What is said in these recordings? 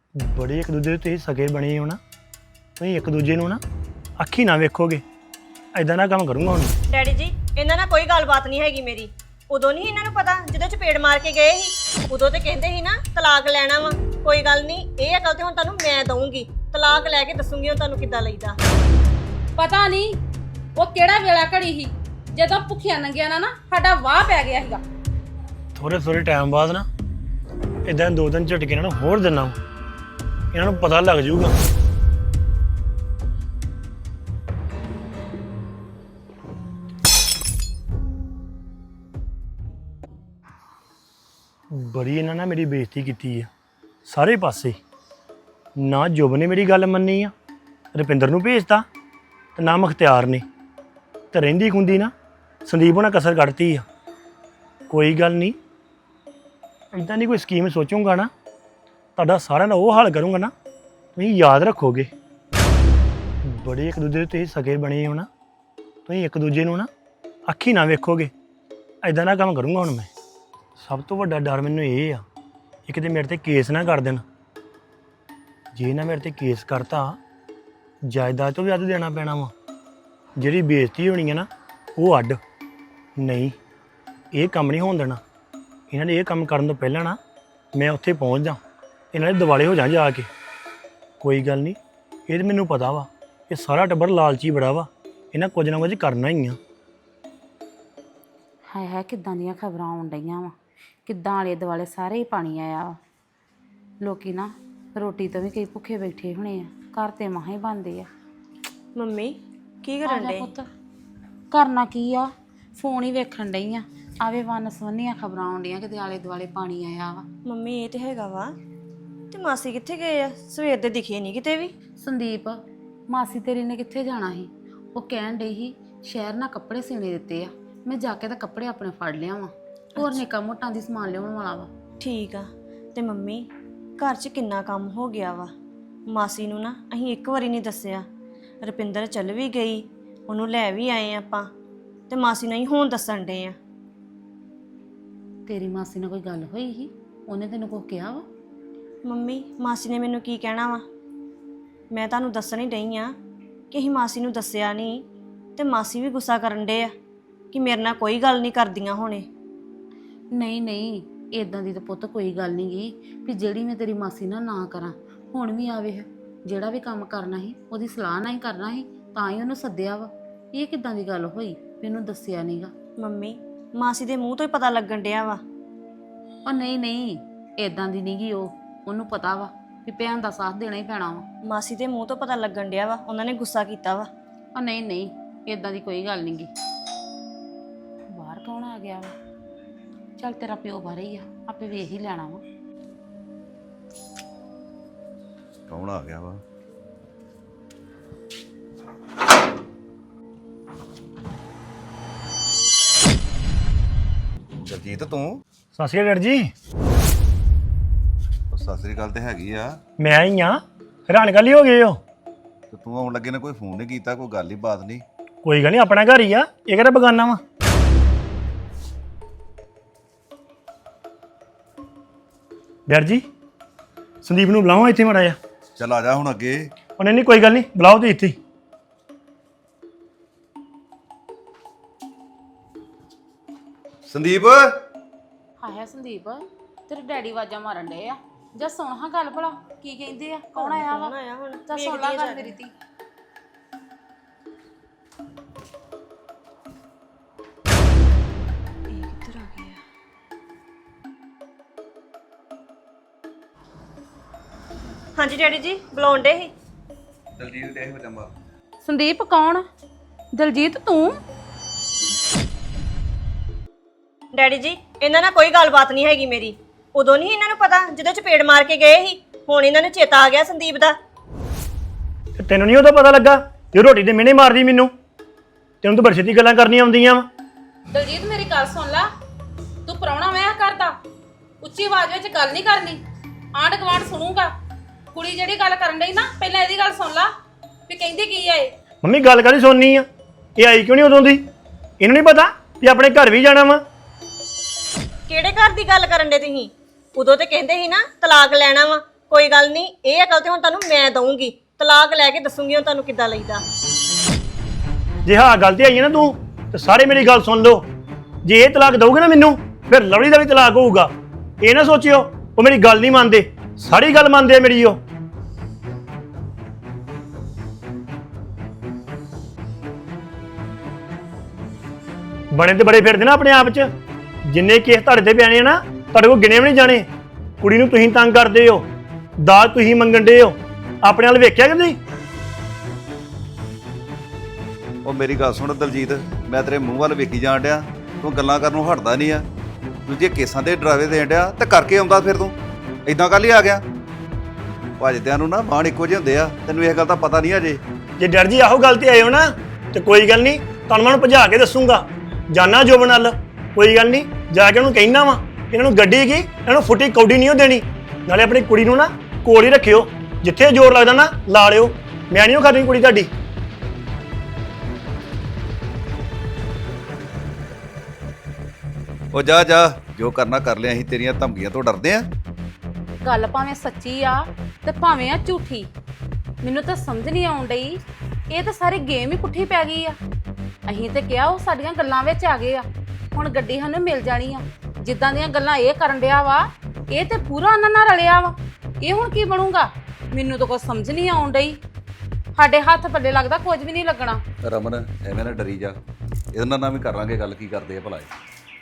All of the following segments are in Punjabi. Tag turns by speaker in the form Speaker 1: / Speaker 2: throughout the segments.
Speaker 1: ਬੜੇ ਇੱਕ ਦੂਜੇ ਦੇ ਤੁਸੀਂ ਸਗੇ ਬਣੇ ਹੋ ਨਾ, ਤੁਸੀਂ ਇੱਕ ਦੂਜੇ ਨੂੰ ਨਾ ਅੱਖੀ ਨਾ ਵੇਖੋਗੇ। ਐਦਾਂ ਨਾ ਕੰਮ ਕਰੂੰਗਾ ਹੁਣ।
Speaker 2: ਡੈਡੀ ਜੀ ਇਹਨਾਂ ਨਾਲ ਕੋਈ ਗੱਲਬਾਤ ਨਹੀਂ ਹੈਗੀ ਮੇਰੀ। ਉਦੋਂ ਨਹੀਂ ਇਹਨਾਂ ਨੂੰ ਪਤਾ ਜਦੋਂ ਚਪੇੜ ਮਾਰ ਕੇ ਗਏ ਸੀ, ਉਦੋਂ ਤੇ ਕਹਿੰਦੇ ਸੀ ਨਾ ਤਲਾਕ ਲੈਣਾ ਵਾ। ਕੋਈ ਗੱਲ ਨਹੀਂ, ਇਹ ਅਕਲ ਤੇ ਹੁਣ ਤੁਹਾਨੂੰ ਮੈਂ ਦਊਂਗੀ। ਤਲਾਕ ਲੈ ਕੇ ਦੱਸੂਗੀ ਹੁਣ ਤੁਹਾਨੂੰ ਕਿੱਦਾਂ ਲਈਦਾ।
Speaker 3: ਪਤਾ ਨਹੀਂ ਉਹ ਕਿਹੜਾ ਵੇਲਾ ਘੜੀ ਸੀ ਜਦੋਂ ਭੁੱਖਿਆਂ ਨੰਗਿਆਂ ਨਾ ਸਾਡਾ ਵਾਹ ਪੈ ਗਿਆ ਸੀਗਾ।
Speaker 1: ਥੋੜੇ ਟਾਈਮ ਬਾਅਦ ਨਾ ਇਦਾਂ 2 ਦਿਨ ਝਟਕੇ ਇਹਨਾਂ ਨੂੰ ਹੋਰ ਦਿਨਾ ਵਾ। ਇਹਨਾਂ ਨੂੰ ਪਤਾ ਲੱਗ ਜਾਊਗਾ। ਬੜੀ ਇਹਨਾਂ ਨੇ ਮੇਰੀ ਬੇਇੱਜ਼ਤੀ ਕੀਤੀ ਆ ਸਾਰੇ ਪਾਸੇ। ਨਾ ਜੁਬ ਨੇ ਮੇਰੀ ਗੱਲ ਮੰਨੀ ਆ, ਰੁਪਿੰਦਰ ਨੂੰ ਭੇਜਤਾ, ਤੇ ਨਾ ਮੁਖਤਿਆਰ ਨੇ। ਤੇ ਰਹਿੰਦੀ ਖੁੰਦੀ ਨਾ ਸੰਦੀਪ ਹੋਣਾ ਕਸਰ ਕੱਢਤੀ ਆ। ਕੋਈ ਗੱਲ ਨਹੀਂ, ਇੱਦਾਂ ਦੀ ਕੋਈ ਸਕੀਮ ਸੋਚੂੰਗਾ ਨਾ, ਤੁਹਾਡਾ ਸਾਰਿਆਂ ਦਾ ਉਹ ਹਾਲ ਕਰੂੰਗਾ ਨਾ, ਤੁਸੀਂ ਯਾਦ ਰੱਖੋਗੇ। ਬੜੇ ਇੱਕ ਦੂਜੇ ਦੇ ਤੁਸੀਂ ਸਗੇ ਬਣੇ ਹੋ ਨਾ, ਤੁਸੀਂ ਇੱਕ ਦੂਜੇ ਨੂੰ ਨਾ ਅੱਖੀ ਨਾ ਵੇਖੋਗੇ। ਐਦਾਂ ਦਾ ਕੰਮ ਕਰੂੰਗਾ ਹੁਣ ਮੈਂ। ਸਭ ਤੋਂ ਵੱਡਾ ਡਰ ਮੈਨੂੰ ਇਹ ਆ, ਇੱਕ ਤੇ ਮੇਰੇ ਤੇ ਕੇਸ ਨਾ ਕਰ ਦੇਣ। ਜੇ ਨਾ ਮੇਰੇ ਤੇ ਕੇਸ ਕਰਤਾ, ਜਾਇਦਾਦ ਤੋਂ ਵੀ ਅੱਧ ਦੇਣਾ ਪੈਣਾ ਵਾ। ਜਿਹੜੀ ਬੇਇੱਜ਼ਤੀ ਹੋਣੀ ਹੈ ਨਾ ਉਹ ਅੱਡ। ਨਹੀਂ, ਇਹ ਕੰਮ ਨਹੀਂ ਹੋਣ ਦੇਣਾ। ਇਹਨਾਂ ਨੇ ਇਹ ਕੰਮ ਕਰਨ ਤੋਂ ਪਹਿਲਾਂ ਨਾ ਮੈਂ ਉੱਥੇ ਪਹੁੰਚ ਜਾ, ਇਹਨਾਂ ਦੇ ਦਿਵਾਲੇ ਹੋ ਜਾ ਜਾ ਕੇ। ਕੋਈ ਗੱਲ ਨਹੀਂ, ਇਹ ਤਾਂ ਮੈਨੂੰ ਪਤਾ ਵਾ, ਇਹ ਸਾਰਾ ਟੱਬਰ ਲਾਲਚੀ ਬੜਾ ਵਾ, ਇਹਨਾਂ ਕੁਝ ਨਾ ਕੁਝ ਕਰਨਾ ਹੀ ਆ।
Speaker 3: ਹਾਏ ਹਾਏ ਕਿੱਦਾਂ ਦੀਆਂ ਖਬਰਾਂ ਆਉਣ ਡਈਆਂ ਵਾ, ਕਿੱਦਾਂ ਆਲੇ ਦੁਆਲੇ ਸਾਰੇ ਹੀ ਪਾਣੀ ਆਇਆ ਵਾ। ਲੋਕੀ ਨਾ ਰੋਟੀ ਤੋਂ ਵੀ ਕਈ ਭੁੱਖੇ ਬੈਠੇ ਹੋਣੇ ਆ, ਘਰ ਤੇ ਮਹਾਂ ਹੀ ਬਣਦੇ ਆ।
Speaker 2: ਮੰਮੀ ਕੀ ਕਰਨ ਡੇ?
Speaker 3: ਪੁੱਤ ਕਰਨਾ ਕੀ ਆ, ਫੋਨ ਹੀ ਵੇਖਣ ਡਈ ਆ। ਆਵੇ ਵੰਨ ਸਵੰਨੀਆਂ ਖਬਰਾਂ ਆਉਂਦੀਆਂ ਕਿਤੇ ਆਲੇ ਦੁਆਲੇ ਪਾਣੀ ਆਇਆ ਵਾ।
Speaker 2: ਮੰਮੀ ਇਹ ਤੇ ਹੈਗਾ ਵਾ, ਤੇ ਮਾਸੀ ਕਿੱਥੇ ਗਏ ਆ? ਸਵੇਰ ਦੇ ਦਿਖੇ ਨਹੀਂ ਕਿਤੇ ਵੀ।
Speaker 3: ਸੰਦੀਪ ਮਾਸੀ ਤੇਰੀ ਨੇ ਕਿੱਥੇ ਜਾਣਾ ਸੀ? ਉਹ ਕਹਿਣ ਡਈ ਸੀ ਸ਼ਹਿਰ ਨਾਲ ਕੱਪੜੇ ਸੀਨੇ ਦਿੱਤੇ ਆ, ਮੈਂ ਜਾ ਕੇ ਤਾਂ ਕੱਪੜੇ ਆਪਣੇ ਫੜ ਲਿਆ ਵਾਂ। ਹੋਰ ਨਿੱਕਾ ਮੋਟਾਂ ਦੀ ਸਮਾਨ ਲਿਆਉਣ ਵਾਲਾ ਵਾ।
Speaker 2: ਠੀਕ ਆ। ਤੇ ਮੰਮੀ ਘਰ 'ਚ ਕਿੰਨਾ ਕੰਮ ਹੋ ਗਿਆ ਵਾ। ਮਾਸੀ ਨੂੰ ਨਾ ਅਸੀਂ ਇੱਕ ਵਾਰੀ ਨਹੀਂ ਦੱਸਿਆ। ਰੁਪਿੰਦਰ ਚੱਲ ਵੀ ਗਈ, ਉਹਨੂੰ ਲੈ ਵੀ ਆਏ ਆਪਾਂ, ਤੇ ਮਾਸੀ ਨੂੰ ਹੀ ਹੁਣ ਦੱਸਣ ਡੇ ਆ।
Speaker 3: ਤੇਰੀ ਮਾਸੀ ਨਾਲ ਕੋਈ ਗੱਲ ਹੋਈ ਸੀ? ਉਹਨੇ ਤੈਨੂੰ ਕੁਝ ਕਿਹਾ ਵਾ?
Speaker 2: ਮੰਮੀ ਮਾਸੀ ਨੇ ਮੈਨੂੰ ਕੀ ਕਹਿਣਾ ਵਾ? ਮੈਂ ਤੁਹਾਨੂੰ ਦੱਸਣ ਹੀ ਡਈ ਆ ਕਿ ਅਸੀਂ ਮਾਸੀ ਨੂੰ ਦੱਸਿਆ ਨਹੀਂ, ਤੇ ਮਾਸੀ ਵੀ ਗੁੱਸਾ ਕਰਨ ਡੇ ਆ ਕਿ ਮੇਰੇ ਨਾਲ ਕੋਈ ਗੱਲ ਨਹੀਂ ਕਰਦੀਆਂ ਹੁਣੇ।
Speaker 3: ਨਹੀਂ ਨਹੀਂ, ਇਦਾਂ ਦੀ ਤਾਂ ਪੁੱਤ ਕੋਈ ਗੱਲ ਨਹੀਂ ਗਈ ਵੀ ਜਿਹੜੀ ਮੈਂ ਤੇਰੀ ਮਾਸੀ ਨਾਲ ਨਾ ਕਰਾਂ। ਹੁਣ ਵੀ ਆਵੇ, ਜਿਹੜਾ ਵੀ ਕੰਮ ਕਰਨਾ ਸੀ ਉਹਦੀ ਸਲਾਹ ਨਾਲ ਹੀ ਕਰਨਾ ਸੀ, ਤਾਂ ਹੀ ਉਹਨੂੰ ਸੱਦਿਆ ਵਾ। ਇਹ ਕਿੱਦਾਂ ਦੀ ਗੱਲ ਹੋਈ ਮੈਨੂੰ ਦੱਸਿਆ ਨਹੀਂਗਾ?
Speaker 2: ਮੰਮੀ ਮਾਸੀ ਦੇ ਮੂੰਹ ਤੋਂ ਹੀ ਪਤਾ ਲੱਗਣ ਡਿਆ ਵਾ।
Speaker 3: ਉਹ ਨਹੀਂ ਨਹੀਂ, ਇਦਾਂ ਦੀ ਨਹੀਂ ਗੀ। ਉਹਨੂੰ ਪਤਾ ਵਾ ਵੀ ਭੈਣ ਦਾ ਸਾਥ ਦੇਣਾ ਹੀ ਪੈਣਾ ਵਾ।
Speaker 2: ਮਾਸੀ ਦੇ ਮੂੰਹ ਤੋਂ ਪਤਾ ਲੱਗਣ ਡਿਆ ਵਾ, ਉਹਨਾਂ ਨੇ ਗੁੱਸਾ ਕੀਤਾ ਵਾ।
Speaker 3: ਉਹ ਨਹੀਂ ਨਹੀਂ, ਇਦਾਂ ਦੀ ਕੋਈ ਗੱਲ ਨਹੀਂ ਗੀ। ਬਾਹਰ ਕੌਣ ਆ ਗਿਆ ਵਾ? ਚੱਲ ਤੇਰਾ ਪਿਓ ਬਾਹਰ ਹੀ ਆ, ਆਪੇ ਵੇਖ ਹੀ ਲੈਣਾ ਵਾ।
Speaker 4: ਕੌਣ ਆ ਗਿਆ ਵਾ? ਜਗਜੀਤ ਤੂੰ?
Speaker 1: ਸਤਿ ਸ਼੍ਰੀ ਅਕਾਲ ਜੀ।
Speaker 4: ਸਤਿ ਸ੍ਰੀ ਅਕਾਲ ਤੇ ਹੈਗੀ ਆ।
Speaker 1: ਮੈਂ ਹੀ ਆ, ਹੈਰਾਨ ਗੱਲ ਹੀ ਹੋ ਗਏ ਹੋ।
Speaker 4: ਤੇ ਤੂੰ ਆਉਣ ਲੱਗੇ ਨੇ ਕੋਈ ਫੋਨ ਨਹੀਂ ਕੀਤਾ, ਕੋਈ ਗੱਲ ਹੀ ਬਾਤ ਨਹੀਂ।
Speaker 1: ਕੋਈ ਗੱਲ ਨਹੀਂ, ਆਪਣਾ ਘਰ ਹੀ ਆ, ਇਹ ਕਿਹੜਾ ਬਗਾਨਾ ਵਾ। ਡਰ ਜੀ ਸੰਦੀਪ ਨੂੰ ਬੁਲਾਓ ਇੱਥੇ ਮਾੜਾ ਜਿਹਾ।
Speaker 4: ਚੱਲ ਆ ਜਾ ਹੁਣ ਅੱਗੇ।
Speaker 1: ਉਹਨੇ ਨਹੀਂ, ਕੋਈ ਗੱਲ ਨਹੀਂ, ਬੁਲਾਓ ਤੇ ਇੱਥੇ ਹੀ।
Speaker 4: ਸੰਦੀਪ
Speaker 3: ਹਾਏ ਸੰਦੀਪ, ਤੇਰੇ ਡੈਡੀ ਆਵਾਜ਼ਾਂ ਮਾਰਨ ਡਏ ਆ। ਜਾਂ ਸੁਣ ਹਾਂ ਗੱਲ ਭਲਾ ਕੀ ਕਹਿੰਦੇ ਆ, ਕੌਣ ਆਇਆ ਵਾ?
Speaker 2: ਆਇਆ ਹੁਣ
Speaker 3: ਤਾਂ ਸੁਣ ਲਾ ਗੱਲ ਮੇਰੀ ਧੀ।
Speaker 2: ਇਹ ਕਿੱਧਰ ਆ ਗਿਆ? ਹਾਂਜੀ ਡੈਡੀ ਜੀ ਬੁਲਾਉਣ ਡੇ ਸੀ।
Speaker 4: ਦਲਜੀਤ ਦੇ ਹੋ ਜੰਮਾ।
Speaker 3: ਸੰਦੀਪ ਕੌਣ? ਦਲਜੀਤ ਤੂੰ?
Speaker 2: ਡੈਡੀ ਜੀ ਇਹਨਾਂ ਨਾਲ ਕੋਈ ਗੱਲਬਾਤ ਨਹੀਂ ਹੈਗੀ ਮੇਰੀ। ਉਦੋਂ ਨਹੀਂ ਇਹਨਾਂ ਨੂੰ ਪਤਾ ਜਦੋਂ ਚਪੇੜ ਮਾਰ ਕੇ ਗਏ ਸੀ, ਹੁਣ ਇਹਨਾਂ ਨੂੰ ਚੇਤਾ ਆ ਗਿਆ ਸੰਦੀਪ ਦਾ।
Speaker 1: ਤੇ ਤੈਨੂੰ ਨਹੀਂ ਉਹਦਾ ਪਤਾ ਲੱਗਾ ਜੇ ਰੋਟੀ ਦੇ ਮਿਹਣੇ ਮਾਰਦੀ ਮੈਨੂੰ? ਤੈਨੂੰ ਤਾਂ ਬੜੀ ਛੇਤੀ ਗੱਲਾਂ ਕਰਨੀਆਂ ਆਉਂਦੀਆਂ ਵਾ।
Speaker 3: ਦਲਜੀਤ ਮੇਰੀ ਗੱਲ ਸੁਣ ਲੈ, ਤੂੰ ਪ੍ਰਾਹੁਣਾ ਵਿਆਹ ਕਰਦਾ, ਉੱਚੀ ਆਵਾਜ਼ ਵਿੱਚ ਗੱਲ ਨਹੀਂ ਕਰਨੀ, ਆਂਢ ਗੁਆਂਢ ਸੁਣੂਗਾ। ਕੁੜੀ ਜਿਹੜੀ ਗੱਲ ਕਰਨ ਡਈ ਨਾ, ਪਹਿਲਾਂ ਇਹਦੀ ਗੱਲ ਸੁਣ ਲਾ ਵੀ ਕਹਿੰਦੀ ਕੀ ਆ ਇਹ।
Speaker 1: ਮੰਮੀ ਗੱਲ ਕਾਹਦੀ ਸੁਣਨੀ ਆ? ਇਹ ਆਈ ਕਿਉਂ ਨਹੀਂ ਉਦੋਂ ਦੀ? ਇਹਨੂੰ ਨਹੀਂ ਪਤਾ ਵੀ ਆਪਣੇ ਘਰ ਵੀ ਜਾਣਾ ਵਾ।
Speaker 2: ਕਿਹੜੇ ਘਰ ਦੀ ਗੱਲ ਕਰਨ ਡੇ ਤੁਸੀਂ? ਉਦੋਂ ਤੇ ਕਹਿੰਦੇ ਸੀ ਨਾ ਤਲਾਕ ਲੈਣਾ ਵਾ, ਕੋਈ ਗੱਲ ਨਹੀਂ, ਇਹ ਅਕਲ ਤੇ ਹੁਣ ਤੁਹਾਨੂੰ ਮੈਂ ਦਊਂਗੀ। ਤਲਾਕ ਲੈ ਕੇ ਦੱਸੂਗੀ ਹੁਣ ਤੁਹਾਨੂੰ ਕਿੱਦਾਂ ਲਈਦਾ।
Speaker 1: ਜੇ ਹਾਂ ਗੱਲ ਤੇ ਆਈ ਹੈ ਨਾ ਤੂੰ, ਤੇ ਸਾਰੇ ਮੇਰੀ ਗੱਲ ਸੁਣ ਲਓ। ਜੇ ਇਹ ਤਲਾਕ ਦਊਗੇ ਨਾ ਮੈਨੂੰ, ਫਿਰ ਲਵਲੀ ਦਾ ਵੀ ਤਲਾਕ ਹੋਊਗਾ। ਇਹ ਨਾ ਸੋਚਿਓ ਉਹ ਮੇਰੀ ਗੱਲ ਨਹੀਂ ਮੰਨਦੇ, ਸਾਰੀ ਗੱਲ ਮੰਨਦੇ ਆ ਮੇਰੀ ਉਹ। ਬਣੇ ਤੇ ਬੜੇ ਫਿਰਦੇ ਨਾ ਆਪਣੇ ਆਪ 'ਚ। ਜਿੰਨੇ ਕੇਸ ਤੁਹਾਡੇ ਤੇ ਪਿਆਣੇ ਆ ਨਾ, ਤੁਹਾਡੇ ਕੋਲ ਗਿਣੇ ਵੀ ਨਹੀਂ ਜਾਣੇ। ਕੁੜੀ ਨੂੰ ਤੁਸੀਂ ਤੰਗ ਕਰਦੇ ਹੋ, ਦਾਜ ਤੁਸੀਂ ਮੰਗਣ ਦੇ ਹੋ। ਆਪਣੇ ਵੱਲ ਵੇਖਿਆ ਕਿ ਨਹੀਂ?
Speaker 4: ਉਹ ਮੇਰੀ ਗੱਲ ਸੁਣ ਦਲਜੀਤ, ਮੈਂ ਤੇਰੇ ਮੂੰਹ ਵੱਲ ਵੇਖੀ ਜਾਣ ਡਿਆ, ਤੂੰ ਗੱਲਾਂ ਕਰਨ ਨੂੰ ਹਟਦਾ ਨਹੀਂ ਆ। ਦੂਜੇ ਕੇਸਾਂ ਦੇ ਡਰਾਵੇ ਦੇਣ ਡਿਆ ਤੇ ਕਰਕੇ ਆਉਂਦਾ ਫਿਰ ਤੂੰ ਇਦਾਂ ਕੱਲ ਹੀ ਆ ਗਿਆ। ਭੱਜਦਿਆਂ ਨੂੰ ਨਾ ਬਾਣ ਇੱਕੋ ਜਿਹੇ ਹੁੰਦੇ ਆ, ਤੈਨੂੰ ਇਹ ਗੱਲ ਦਾ ਪਤਾ ਨਹੀਂ ਅਜੇ।
Speaker 1: ਜੇ ਡਰ ਜੀ ਆਹੋ ਗੱਲ ਤੇ ਆਏ ਹੋ ਨਾ, ਤੇ ਕੋਈ ਗੱਲ ਨਹੀਂ, ਤੁਹਾਨੂੰ ਮੈਂ ਉਹਨੂੰ ਭਜਾ ਕੇ ਦੱਸੂਗਾ। ਜਾਨਾ ਜੋਬਨ ਨਾਲ, ਕੋਈ ਗੱਲ ਨਹੀਂ, ਜਾ ਕੇ ਉਹਨੂੰ ਕਹਿਣਾ ਵਾ ਇਹਨਾਂ ਨੂੰ ਗੱਡੀ ਕੀ, ਇਹਨਾਂ ਨੂੰ ਫੁੱਟੀ ਕੌਡੀ ਨਹੀਂ ਉਹ ਦੇਣੀ। ਨਾਲੇ ਆਪਣੀ ਕੁੜੀ ਨੂੰ ਨਾ ਕੋਲ ਹੀ ਰੱਖਿਓ, ਜਿੱਥੇ ਜ਼ੋਰ ਲੱਗਦਾ ਨਾ ਲਾ ਲਿਓ। ਮੈਂ ਨਹੀਂ ਉਹ ਕਰਨੀ ਕੁੜੀ ਤੁਹਾਡੀ।
Speaker 4: ਉਹ ਜਾ ਜਾ, ਜੋ ਕਰਨਾ ਕਰ ਲਿਆ। ਅਸੀਂ ਤੇਰੀਆਂ ਧਮਕੀਆਂ ਤੋਂ ਡਰਦੇ ਆ।
Speaker 3: ਗੱਲ ਭਾਵੇਂ ਸੱਚੀ ਆ ਤੇ ਭਾਵੇਂ ਆ ਝੂਠੀ, ਮੈਨੂੰ ਤਾਂ ਸਮਝ ਨਹੀਂ ਆਉਣ ਡਈ। ਇਹ ਤਾਂ ਸਾਰੀ ਗੇਮ ਹੀ ਪੁੱਠੀ ਪੈ ਗਈ ਆ। ਅਸੀਂ ਤੇ ਕਿਹਾ ਉਹ ਸਾਡੀਆਂ ਗੱਲਾਂ ਵਿੱਚ ਆ ਗਏ ਆ, ਹੁਣ ਗੱਡੀ ਸਾਨੂੰ ਮਿਲ ਜਾਣੀ ਆ। ਜਿੱਦਾਂ ਦੀਆਂ ਗੱਲਾਂ ਇਹ ਕਰਨ ਡਿਆ ਵਾ, ਇਹ ਤੇ ਪੂਰਾ ਉਹਨਾਂ ਨਾਲ ਰਲਿਆ ਵਾ। ਇਹ ਹੁਣ ਕੀ ਬਣੂਗਾ? ਮੈਨੂੰ ਤਾਂ ਕੁਝ ਸਮਝ ਨਹੀਂ ਆਉਣ ਡਈ। ਸਾਡੇ ਹੱਥ ਪੱਲੇ ਲੱਗਦਾ ਕੁਝ ਵੀ ਨਹੀਂ ਲੱਗਣਾ।
Speaker 4: ਰਮਨ ਐਵੇਂ ਨਾ ਡਰੀ ਜਾ, ਇਹਨਾਂ ਨਾਲ ਵੀ ਕਰਾਂਗੇ ਗੱਲ, ਕੀ ਕਰਦੇ ਆ ਭਲਾ ਇਹ।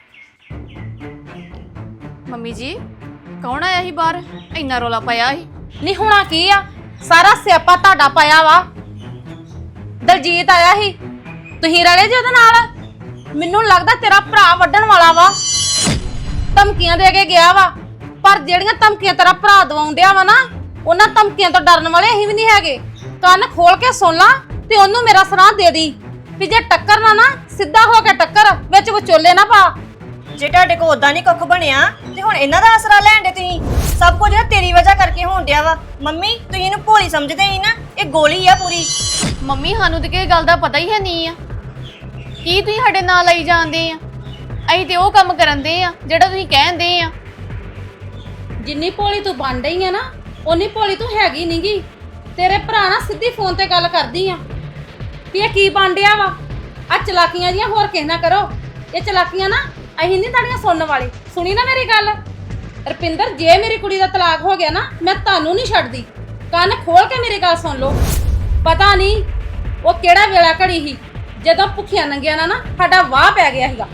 Speaker 5: ਮੰਮੀ ਜੀ ਕੌਣ ਆਇਆ ਸੀ ਬਾਹਰ? ਇੰਨਾ ਰੋਲਾ ਪਾਇਆ ਸੀ।
Speaker 3: ਨਹੀਂ ਹੋਣਾ ਕੀ ਆ, ਸਾਰਾ ਸਿਆਪਾ ਤੁਹਾਡਾ ਪਾਇਆ ਵਾ। ਦਲਜੀਤ ਆਇਆ ਸੀ, ਤੁਸੀਂ ਰਲੇ ਜੇ ਉਹਦੇ ਨਾਲ। ਮੈਨੂੰ ਲੱਗਦਾ ਤੇਰਾ ਭਰਾ ਵੱਢਣ ਵਾਲਾ ਵਾ, ਧਮਕੀਆਂ ਦੇ ਕੇ ਗਿਆ ਵਾ। ਪਰ ਜਿਹੜੀਆਂ ਧਮਕੀਆਂ ਤੇਰਾ ਭਰਾ ਦਵਾਉਣ ਡਿਆ ਵਾ ਨਾ, ਉਹਨਾਂ ਧਮਕੀਆਂ ਤੋਂ ਡਰਨ ਵਾਲੇ ਅਸੀਂ ਵੀ ਨਹੀਂ ਹੈਗੇ। ਕੰਨ ਖੋਲ ਕੇ ਸੁਣ ਲਾ ਤੇ ਉਹਨੂੰ ਮੇਰਾ ਸਲਾਹ ਦੇ ਦੀ ਵੀ ਜੇ ਟੱਕਰ ਨਾ ਸਿੱਧਾ ਹੋ ਕੇ ਟੱਕਰ, ਵਿੱਚ ਵਿਚੋਲੇ ਨਾ ਪਾ।
Speaker 2: ਜੇ ਤੁਹਾਡੇ ਕੋਲ ਉਦਾਂ ਨਹੀਂ ਕੁੱਖ ਬਣਿਆ ਤੇ ਹੁਣ ਇਹਨਾਂ ਦਾ ਆਸਰਾ ਲੈਣ ਦੇ ਤੁਸੀਂ। ਸਭ ਕੁਝ ਨਾ ਤੇਰੀ ਵਜ੍ਹਾ ਕਰਕੇ ਹੋਣ ਡਿਆ ਵਾ। ਮੰਮੀ ਤੁਸੀਂ ਇਹਨੂੰ ਭੋਲੀ ਸਮਝਦੇ ਹੀ ਨਾ, ਇਹ ਗੋਲੀ ਆ ਪੂਰੀ।
Speaker 5: ਮੰਮੀ ਸਾਨੂੰ ਤੇ ਕਿਸੇ ਗੱਲ ਦਾ ਪਤਾ ਹੀ ਹੈ ਨਹੀਂ ਆ। ਕੀ ਤੁਸੀਂ ਸਾਡੇ ਨਾਲ ਆਈ ਜਾਂਦੇ ਆ? ਅਸੀਂ ਤੇ ਉਹ ਕੰਮ ਕਰਨ ਦੇ ਆ ਜਿਹੜਾ ਤੁਸੀਂ ਕਹਿੰਦੇ ਆ।
Speaker 3: ਜਿੰਨੀ ਭੋਲੀ ਤੂੰ ਬਣ ਰਹੀ ਆ ਨਾ, ਓਨੀ ਭੋਲੀ ਤੂੰ ਹੈਗੀ ਨਹੀਂਗੀ। ਤੇਰੇ ਭਰਾ ਨਾਲ ਸਿੱਧੀ ਫੋਨ ਤੇ ਗੱਲ ਕਰਦੀ ਆ ਵੀ ਇਹ ਕੀ ਬਣ ਡਿਆ ਵਾ। ਆ ਚਲਾਕੀਆਂ ਜੀਆਂ ਹੋਰ ਕਿਸੇ ਨਾ ਕਰੋ। ਇਹ ਚਲਾਕੀਆਂ ਨਾ ਅਸੀਂ ਨਹੀਂ ਤੁਹਾਡੀਆਂ ਸੁਣਨ ਵਾਲੇ। ਸੁਣੀ ਨਾ ਮੇਰੀ ਗੱਲ ਰਪਿੰਦਰ, ਜੇ ਮੇਰੀ ਕੁੜੀ ਦਾ ਤਲਾਕ ਹੋ ਗਿਆ ਨਾ, ਮੈਂ ਤੁਹਾਨੂੰ ਨਹੀਂ ਛੱਡਦੀ। ਕੰਨ ਖੋਲ ਕੇ ਮੇਰੀ ਗੱਲ ਸੁਣ ਲਓ। ਪਤਾ ਨਹੀਂ ਉਹ ਕਿਹੜਾ ਵੇਲਾ ਘੜੀ ਸੀ ਜਦੋਂ ਭੁੱਖੀਆਂ ਨੰਗਿਆਂ ਨਾਲ ਨਾ ਸਾਡਾ ਵਾਹ ਪੈ ਗਿਆ ਸੀਗਾ।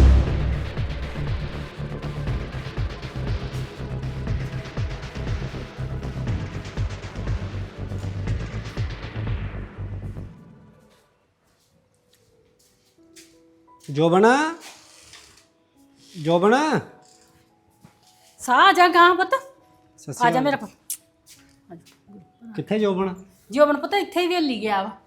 Speaker 6: ਜੋਬਨ ਜੋਬਨ
Speaker 7: ਸਾਹ ਜਾ ਗਾਂ ਪੁੱਤ, ਆ ਜਾ ਮੇਰਾ ਪੁੱਤ।
Speaker 6: ਕਿੱਥੇ ਜੋਬਨ?
Speaker 7: ਜੋਬਨ ਪੁੱਤ ਇੱਥੇ ਹੀ ਵੇਲੀ ਗਿਆ ਵਾ।